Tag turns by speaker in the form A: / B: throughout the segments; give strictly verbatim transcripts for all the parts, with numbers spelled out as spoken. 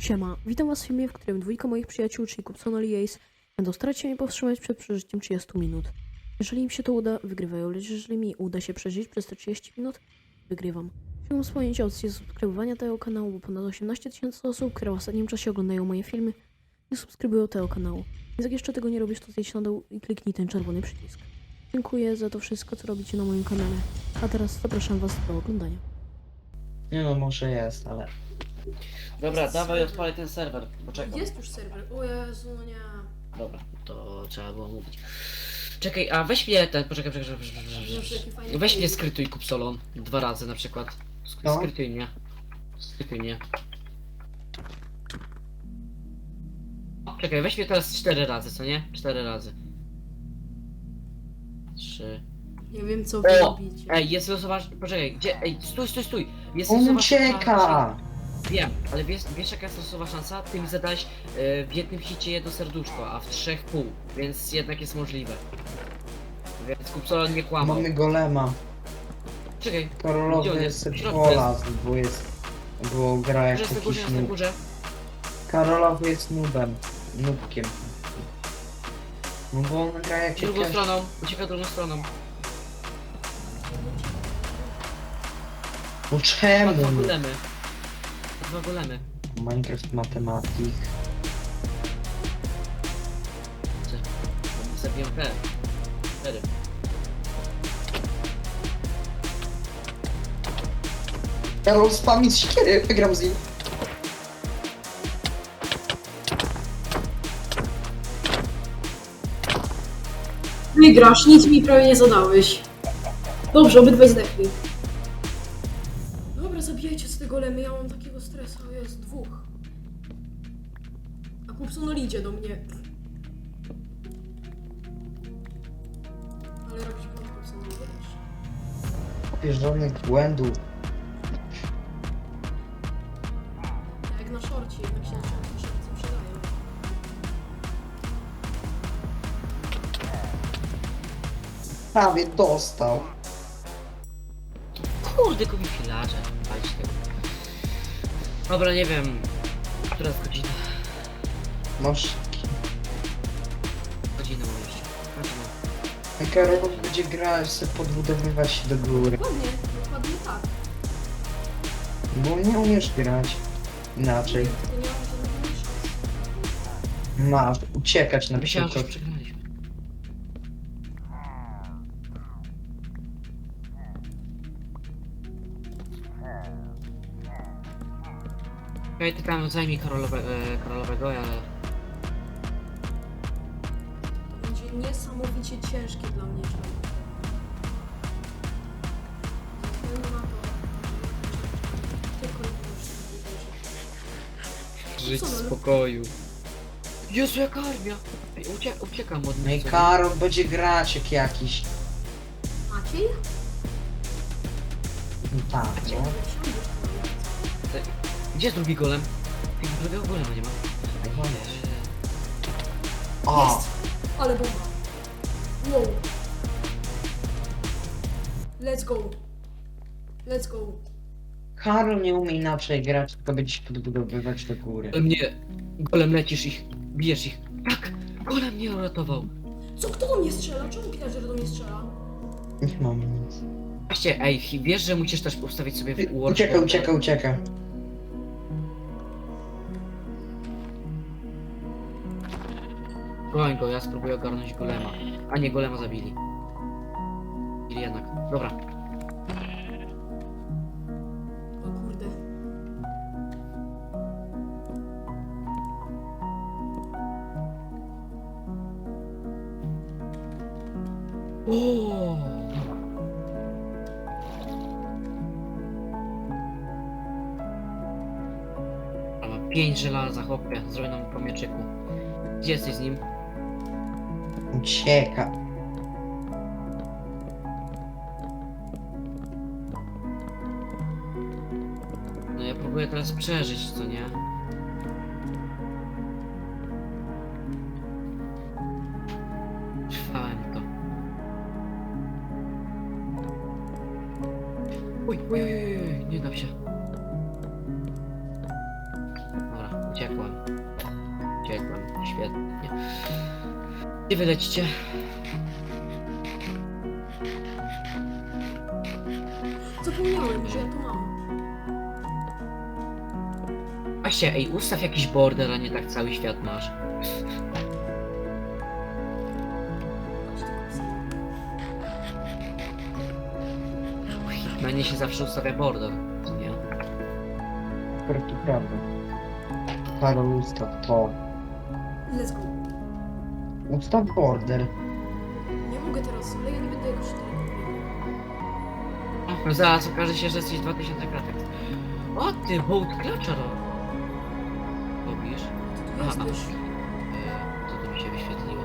A: Siema, witam was w filmie, w którym dwójka moich przyjaciół, czyli Kupson i Ace, będą starać się mnie powstrzymać przed przeżyciem trzydziestu minut. Jeżeli im się to uda, wygrywają, lecz jeżeli mi uda się przeżyć przez te trzydzieści minut, wygrywam. Chciałbym wspomnieć o opcji subskrybowania tego kanału, bo ponad osiemnaście tysięcy osób, które w ostatnim czasie oglądają moje filmy, nie subskrybują tego kanału. Więc jak jeszcze tego nie robisz, to zejdź na dół i kliknij ten czerwony przycisk. Dziękuję za to wszystko, co robicie na moim kanale. A teraz zapraszam was do oglądania.
B: Nie no, może jest, ale...
C: Dobra, dawaj odpalaj ten serwer, poczekam.
A: Jest już serwer, o Jezu, no nie.
C: Dobra, to trzeba było mówić. Czekaj, a weź mnie ten, poczekaj, poczekaj, poczekaj, poczekaj, poczekaj. Weź mnie skrytuj Kupsolon, dwa razy na przykład. Sk-
B: No.
C: Skrytuj mnie. Skrytuj mnie. Czekaj, weź mnie teraz cztery razy, co nie? Cztery razy. Trzy.
A: Nie wiem, co wy
C: O!
A: robicie.
C: Ej, jest losowa... Poczekaj, gdzie? Ej, stój, stój, stój! Jest
B: On
C: losowa
B: ucieka!
C: szansa- Wiem, ale wiesz, wiesz jaka jest losowa szansa? Ty mi zadałeś e, w jednym hicie jedno serduszko, a w trzech pół, więc jednak jest możliwe. Więc Kupsolon nie kłamał.
B: Mamy golema.
C: Czekaj,
B: Karolowy
C: Gdzie on
B: jest
C: jest? W środku
B: pola, bo jest... Bo gra jak
C: górze jest na górze,
B: jakiś
C: jest na
B: noob.
C: górze.
B: Karolowy jest noobem. Noobkiem. No bo on gra jak
C: Drugą
B: jakaś...
C: stroną, ucieka drugą stroną.
B: No
C: Ma
B: czemu?
C: dwa golemy. Ma Dwa golemy.
B: Minecraft Matematik.
C: Czy- Zabiję te. Cztery.
B: Karol spami z siekiery, wygram z nim.
D: Wygrasz, nic mi prawie nie zadałeś. Dobrze, obydwaj zdechli.
A: Dobra, zabijajcie z tego lemy, ja mam takiego stresa, jest dwóch. A Kupson idzie do mnie. Ale robić błąd Kupson, nie wiesz.
B: Wiesz, żadnych błędów.
A: Jak na szorcie, jednak się na szorcie przydają.
B: Prawie dostał.
C: Kurde, kupi filarze. Patrzcie. Dobra, nie wiem. Która jest godzina?
B: Masz...
C: Godzinę mam jeszcze. Godzina.
B: Karol będzie grać, sobie podbudowywać się do góry.
A: Dokładnie, dokładnie tak.
B: Bo nie umiesz grać. Inaczej.
A: To nie mam żadnego szans.
B: Masz uciekać na
C: Myślałem, że
B: przykład.
C: już przegraliśmy. Okej, ty tam zajmij Karolowe, e, Karolowego, ja...
A: To będzie niesamowicie ciężkie dla mnie, człowiek. Ze względu na to, że tylko już
C: Żyć
A: Co,
C: w
A: no?
C: spokoju. Jezu, jaka armia! Ej, ucie uciekam od
B: No i
C: nich. co nie?
B: Karol będzie grać jak jakiś.
A: Maciej?
B: No tak,
A: Maciej,
B: no.
A: ale wsiądziesz tam.
C: Gdzie jest drugi golem? Ej, drugiego golema nie ma.
B: No
C: Eee,
B: O!
A: Jest! Ale bomba. Wow. Let's go. Let's go.
B: Karol nie umie inaczej grać, tylko będzie się podbudowywać do góry.
C: golem nie... Golem lecisz ich, bijesz ich. Tak! Golem mnie uratował.
A: Co, kto do mnie strzela? Czemu pillager do mnie strzela?
B: Nie mam nic.
C: Właśnie, ej, wiesz, że musisz też ustawić sobie w
B: Ty-
C: War
B: Ucieka, ucieka, ucieka.
C: Broń go, ja spróbuję ogarnąć golema. A nie, golema zabili. Ili jednak. Dobra.
A: O kurde.
C: O! A ma pięć żelaza, chłopie. Zrobię nam po mieczyku. Gdzie jesteś z nim?
B: Ucieka.
C: No ja próbuję teraz przeżyć, co nie? Trwałem to. Uj, uj, uj, uj, uj, nie dam się. Dobra, Uciekłem. Uciekłem. Świetnie. Gdzie wy lecicie?
D: Zapomniałem, że ja to mam.
C: Właśnie, ej, ustaw jakiś border, a nie tak cały świat masz. W Hitmanie się zawsze ustawia border, co nie?
B: Akurat to prawda. Karol, ustaw to.
D: Let's go.
B: Ustaw border.
D: Nie mogę teraz, ale ja nie będę jakoś daleko.
C: No zaraz okaże się, że jesteś dwa tysiące kratek. O ty, boat klacza ro- robisz?
D: Ty tu
C: Aha.
D: jesteś.
C: Eee, Co to mi się wyświetliło?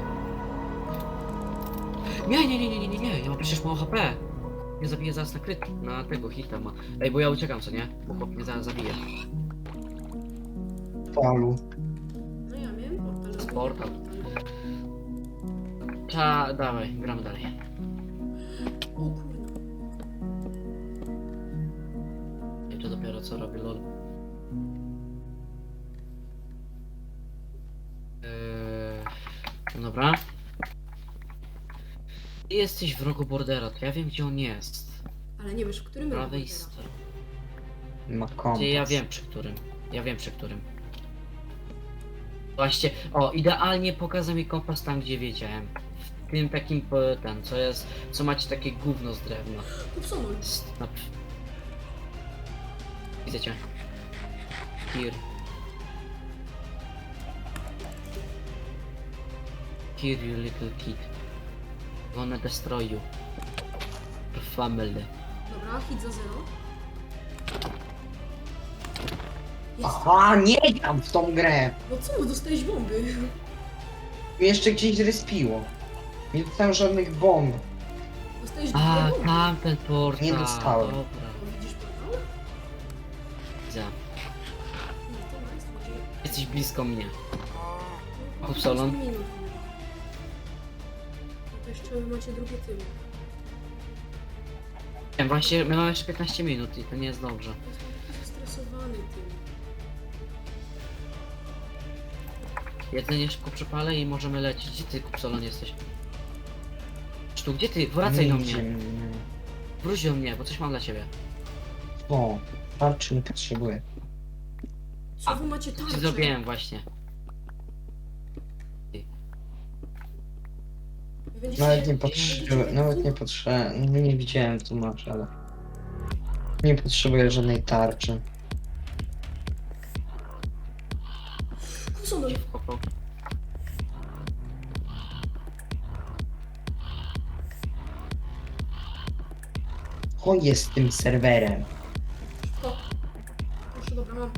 C: Nie, nie, nie, nie, nie, nie, nie, ja mam przecież mało H P. Nie zabiję zaraz na kryt, na tego hita ma. Ej, bo ja uciekam, co nie? Bo chłop mnie zaraz zabije.
B: Falu.
D: No ja miałem portal.
C: Portal. Ta, dawaj, gramy dalej.
D: O kurwa.
C: I to dopiero co robię, lol. Eee, no dobra. Ty jesteś w rogu bordera, to ja wiem gdzie on jest.
D: Ale nie wiesz, w którym
C: Po
D: roku
C: prawej
D: teraz?
C: stronie.
B: Ma kompas.
C: Gdzie ja wiem przy którym. Ja wiem przy którym. Właśnie, o, idealnie pokazał mi kompas tam gdzie wiedziałem. W tym takim, po- ten, co jest, co macie takie gówno z drewna.
D: Kupsonol.
C: Stop. Widzę cię. Here. Here you little kid. Gonna destroy you. Your family.
D: Dobra, hit za zero. Jest.
B: Aha, nie gram w tą grę.
D: No co, dostałeś bomby.
B: Mnie jeszcze gdzieś zrespiło. Nie dostałem żadnych bomb.
D: Dostałeś
C: A,
D: dwie bomby.
C: tamten portal.
B: Nie dostałem.
C: Dobra,
D: O, widzisz portal?
C: widzę.
D: No to nice, to będzie...
C: Jesteś blisko mnie.
D: No,
C: Kupsolon?
D: piętnaście minut. No to jeszcze wy macie drugie tyły.
C: Wiem, właśnie, my mamy jeszcze piętnaście minut i to nie jest dobrze.
D: Jestem taki zestresowany tym.
C: Jedzenie szybko przepalę i możemy lecieć. Gdzie ty, Kupsolon, jesteś? Tu, gdzie ty? Wracaj do
B: Nigdzie
C: mnie.
B: mnie.
C: Wróć do mnie, bo coś mam dla ciebie.
B: O, tarczy nie potrzebuję.
D: Co
C: A,
D: wy macie
C: Co
D: tarczę?
C: ci zrobiłem właśnie.
D: Wy będziecie-
B: Nawet nie
D: będziecie
B: potrzebuję, nawet nie potrzebuję, nie, nie widziałem co masz, ale... Nie potrzebuję żadnej tarczy.
D: Kupsonol.
C: Spoko.
B: O, jest tym serwerem.
D: O. Proszę, dobra, mam.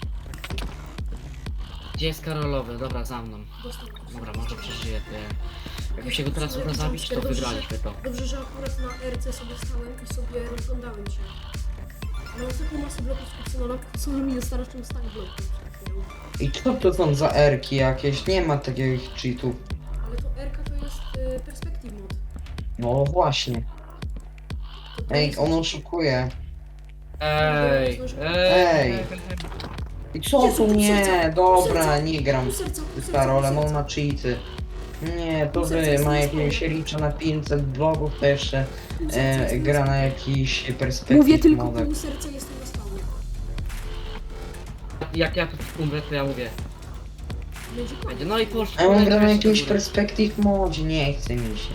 C: Gdzie jest Karolowy? Dobra, za mną.
D: Dostał.
C: Dobra, może przeżyję. To ja... Jak mi się go teraz uda zabić, to wygraliśmy to.
D: Dobrze, że akurat na R C sobie stałem i sobie rozglądałem się. Mam taką masę bloków z Kupsonola, Kupsonol mi dostarczył stack bloków przed chwilą.
B: I co to są za erki jakieś? Nie ma takich cheatów.
D: Ale to R K to jest y, perspective mod.
B: No właśnie.
D: To to
B: Ej,
D: jest-
B: on oszukuje.
C: Ej,
B: Ej.
C: ej.
B: I co
D: Jezu,
B: tu
D: pół
B: nie?
D: serca,
B: Dobra,
D: pół serca,
B: nie gram
D: Pół serca, pół
B: z
D: serca,
B: Karolem,
D: pół
B: on
D: serca.
B: ma cheaty. Nie, to
D: Pół serca
B: wy
D: jest
B: ma
D: niesłabo.
B: jakiegoś licza na pięćset blogów, to jeszcze
D: Pół serca
B: e,
D: jest
B: gra na
D: niesłabo.
B: jakiś
A: Mówię
B: perspektyw
A: tylko
B: model.
D: Pół serca jestem na stałe.
C: Jak ja tu umrę, to ja mówię.
D: Będzie koniec.
C: Będzie. No i poszło.
B: A on gra na
C: leci
B: jakimś
C: do góry.
B: perspektyw modzie, nie chce mi się.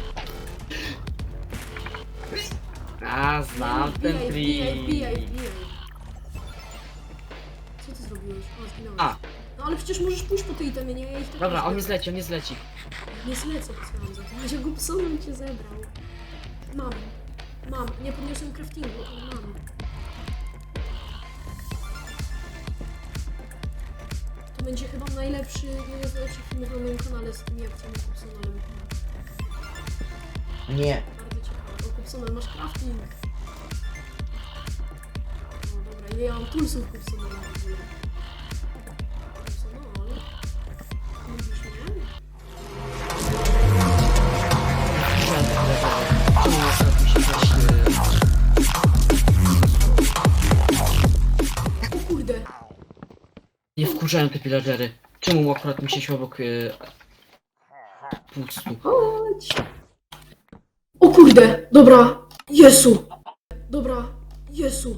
C: A, znam ten
D: Wbijaj, wbijaj, wbijaj,
C: trik.
D: wbijaj. Co ty zrobiłeś? O, zginąłeś.
C: A.
D: No ale przecież możesz pójść po tej itemie, nie? Ja ich tak
C: Dobra,
D: nie
C: on nie
D: zlecę.
C: zleci, on nie zleci.
D: Nie zlecę, posłucham za to. Będzie Gubsonem cię zebrał. Mam. Mam. Nie podniosłem craftingu, ale mam. To będzie chyba najlepszy, jeden z najlepszych filmów na moim kanale z tymi akcjami Gubsonem.
B: Nie.
D: Bardzo ciekawe. O, Gubsonem, masz crafting. No dobra, ile ja mam toolsów Gubsonela w ogóle? Gubsonol? Lubisz mnie? O kurde!
C: Nie wkurzają te pillagery. Czemu akurat mi się siła obok yy, pustu?
D: Chodź. O kurde, dobra. Jezu. Dobra, Jezu.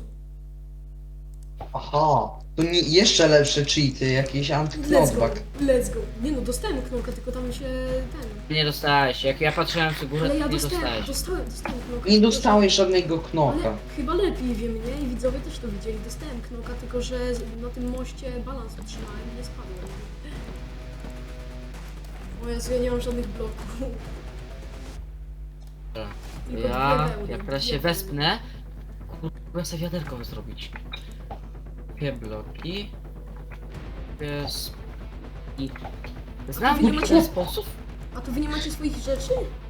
B: Aha, tu mi jeszcze lepsze cheaty, jakieś
D: Let's go,
B: anty-knockback.
D: let's go. Nie no, dostałem knoka, tylko tam się ten...
C: Nie dostałeś. Jak ja patrzyłem w górę,
D: Ale
C: to
D: ja
C: nie
D: dostałem,
C: dostałeś.
D: dostałem, dostałem knoka.
B: Nie dostałeś żadnego knoka.
D: Ale chyba lepiej wiem, nie? I widzowie też to widzieli. Dostałem knoka, tylko że z- na tym moście balans utrzymałem i nie spadłem. O Jezu, ja nie mam żadnych bloków.
C: Dobra.
D: Tylko
C: Ja,
D: dwie wełny,
C: jak teraz
D: dwie
C: się
D: wełny.
C: wespnę, kurwa sobie wiaderko zrobić. Dwie bloki. Jest... I... Znam
D: wy nie
C: w
D: macie-
C: ten sposób?
D: A to wy nie macie swoich rzeczy?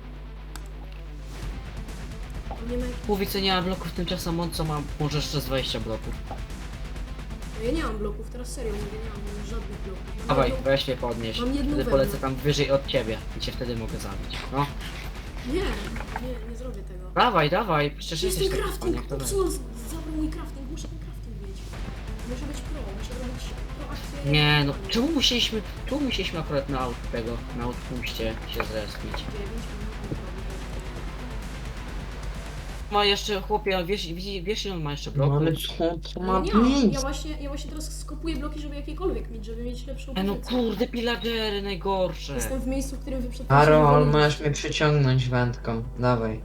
D: To nie ma...
C: Mówi co nie ma bloków, tymczasem on co ma może jeszcze z dwadzieścia bloków.
D: No ja nie mam bloków, teraz serio mówię, nie mam żadnych bloków. Mam
C: Dawaj,
D: jedną-
C: weź mnie podnieś.
D: Mam jedną
C: Wtedy
D: wełnę.
C: polecę tam wyżej od ciebie i cię wtedy mogę zabić. No.
D: Nie, nie, nie zrobię tego.
C: Dawaj, dawaj, przecież
D: Jest
C: jesteś
D: ten
C: taki
D: crafting,
C: panie, kto wie.
D: popsuł, zabrał mój crafting, muszę ten crafting mieć. Muszę być pro, muszę robić pro akcję.
C: Nie no, czemu musieliśmy, czemu musieliśmy akurat na aut tego, na outpuście się zrespić?
D: dziewięć minut.
C: Ma jeszcze, chłopie, wiesz, wiesz, wiesz ile on ma jeszcze
B: No
C: bloków?
B: ale co to
D: Ja
B: ma
D: nie mam, ja
B: być?
D: właśnie, ja właśnie teraz skopuję bloki, żeby jakiekolwiek mieć, żeby mieć lepszą
C: E no
D: pozycję.
C: kurde, pillagery najgorsze.
D: Jestem w miejscu, w którym wy przed
B: Karol,
D: chwilą
B: masz mnie przyciągnąć wędką. Dawaj.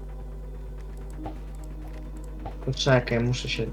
B: Poczekaj, muszę się...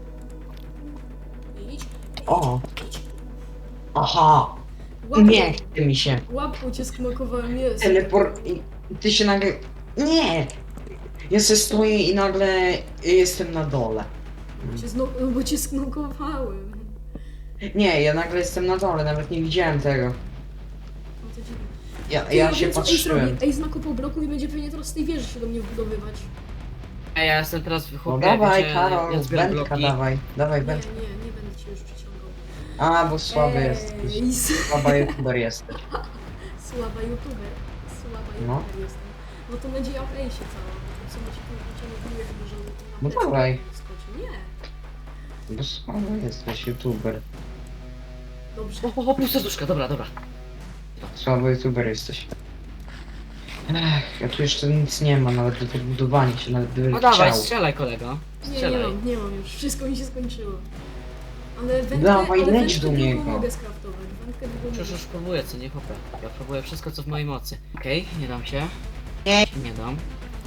D: Idź,
B: O!
D: idź.
B: Aha!
D: Łapą,
B: Nie chce mi się.
D: łapą cię sknokowałem, jest.
B: Teleport... i- Ty się nagle... Nie! Ja se stoję i nagle jestem na dole.
D: Bo cię, zno, bo cię sknokowałem.
B: Nie, ja nagle jestem na dole, nawet nie widziałem tego.
D: No to dziwne.
B: Ja,
D: Ty,
B: ja
D: wiem,
B: się
D: co Ace
B: patrzyłem.
D: robi. Ace nakopał bloku i będzie pewnie teraz z tej wieży się do mnie wbudowywać.
C: Ej, ja jestem teraz w
B: No
C: chłopie,
B: dawaj,
C: wiecie,
B: Karol,
C: ja zbieram
B: wędka
C: bloki.
B: dawaj. Dawaj
D: Nie,
B: wędkę.
D: nie, nie będę cię już przyciągał.
B: A, bo słaby jesteś.
D: Ace.
B: Słaba youtuber jesteś.
D: Słaba youtuber. Słaba
B: No.
D: youtuber jestem. No to nadzieja w Ace cała. Co macie tu ciągle chyba, że na
B: No
D: plecy
B: dawaj.
D: skoczy. Nie.
B: Bo słaby jesteś youtuber.
D: Dobrze.
C: O, o, o, pół serduszka, dobra, dobra.
B: Słaby youtuber jesteś. Ech, ja tu jeszcze nic nie ma, nawet do tego budowania się, nawet bym
C: No dawaj,
B: chciał.
C: strzelaj kolego.
D: Nie, nie
C: Strzelaj.
D: mam, nie mam już. Wszystko mi się skończyło. Ale wędkę,
B: Dawaj,
D: ale
B: leć
D: wędkę
B: do
D: długą
B: niego.
D: mogę skraftować. Wędkę długą
C: Przecież
D: mogę.
C: już próbuję, co nie chłopie. Ja próbuję wszystko co w mojej mocy. Okej, nie dam się.
B: Nie.
C: Nie dam.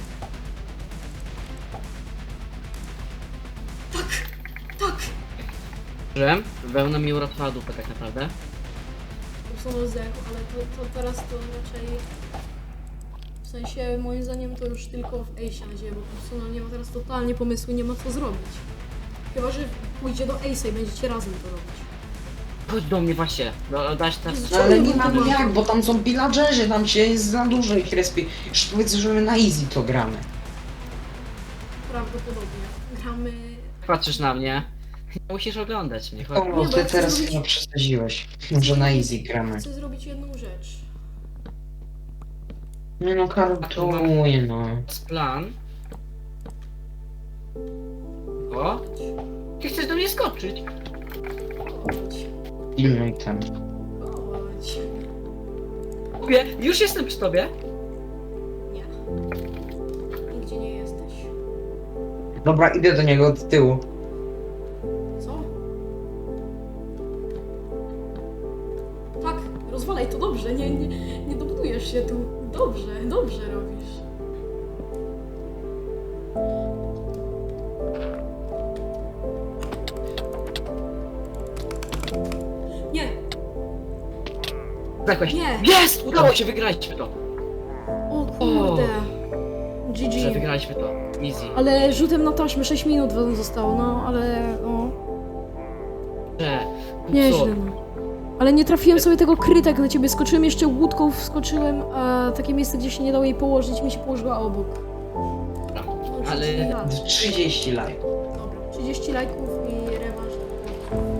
D: Tak!
C: Żyłem. Wełna mi uratowała dupę tak naprawdę.
D: Usunął zdechł, ale to, to teraz to raczej... W sensie, moim zdaniem to już tylko w Ace'ie na dzieje, bo Pulsona nie ma teraz totalnie pomysłu, nie ma co zrobić. Chyba, że pójdzie do Ace'a i będziecie razem to robić.
C: Chodź do mnie właśnie. No, dać teraz.
B: No ale nie mam jak, bo tam są pillagerzy, tam się jest za dużo ich respi. Już powiedz, że my na easy to gramy.
D: Prawdopodobnie. Gramy...
C: Patrzysz na mnie. Musisz oglądać mnie, chodź.
B: O,
D: Nie, bo
B: ty
D: ja chcę
B: teraz
D: zrobić-
B: chyba przesadziłeś. Może na easy gramy.
D: Chcę zrobić jedną rzecz.
B: Nie no, Karol troluje, no.
C: Jest plan. O,
D: Chodź.
C: ty chcesz do mnie skoczyć.
D: Chodź.
B: Pilnuj tam.
D: Chodź.
C: Mówię, już jestem przy tobie.
D: Nie. Nigdzie nie jesteś.
B: Dobra, idę do niego od tyłu.
D: Co? Tak, rozwalaj to dobrze, nie, nie, nie dobudujesz się tu. Dobrze, dobrze robisz. Nie,
C: Zakłeś.
D: Nie.
C: Jest! Udało się, wygraliśmy to.
D: o kurde.
C: Że
D: G G.
C: wygraliśmy to. Easy.
D: Ale rzutem na taśmę sześć minut wam zostało, no ale no.
C: Że.
D: Nieźle, no. Ale nie trafiłem sobie tego kryta, jak na ciebie skoczyłem, jeszcze łódką wskoczyłem, a takie miejsce, gdzie się nie dało jej położyć, mi się położyła obok. No,
C: Ale-
D: trzydzieści lat.
B: trzydzieści lajków.
D: Dobra, trzydzieści lajków i rewanż.